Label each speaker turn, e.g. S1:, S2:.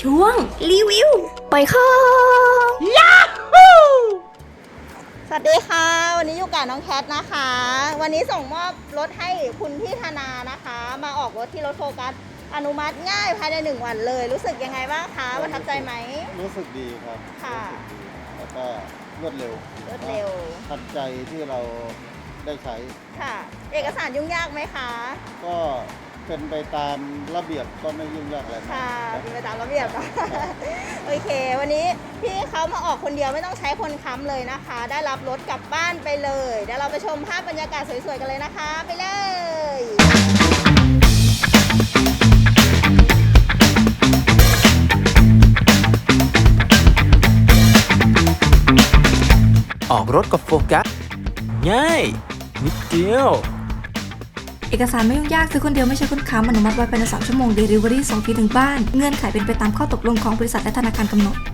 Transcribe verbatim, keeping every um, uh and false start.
S1: ช่วงรีวิวปล่อยของ
S2: ยาฮูสวัสดีค่ะวันนี้อยู่กับน้องแคทนะคะ วันนี้ส่งมอบรถให้คุณพี่ธนานะคะ มาออกรถที่รถโฟกัสอนุมัติง่ายภายในหนึ่งวันเลยรู้สึกยังไงบ้างคะประทับใจไหม
S3: รู้สึกดีครับ
S2: ค่ะ
S3: แล้วก็รวดเร็ว
S2: รวดเร็ว
S3: ทันใจที่เราได้ใช้
S2: ค่ะเอกสารยุ่งยากไหมคะ
S3: ก็เป็นไปตามระเบียบก็ไม่ยุ่งยากอะไร
S2: ค่ะเป็นไปตามระเบียบนะโอเควันนี้พี่เขามาออกคนเดียวไม่ต้องใช้คนค้ำเลยนะคะได้รับรถกลับบ้านไปเลยเดี๋ยวเราไปชมภาพบรรยากาศสวยๆกันเลยนะคะไปเลย
S4: ออกรถกับโฟกัสง่ายนิดเดียว
S1: เอกสารไม่ยุ่งยากซื้อคนเดียวไม่ใช่คนค้ำอนุมัติไว้ภายในสามชั่วโมง Delivery ส่งฟรีถึงบ้านเงื่อนไขเป็นไปตามข้อตกลงของบริษัทและธนาคารกำหนด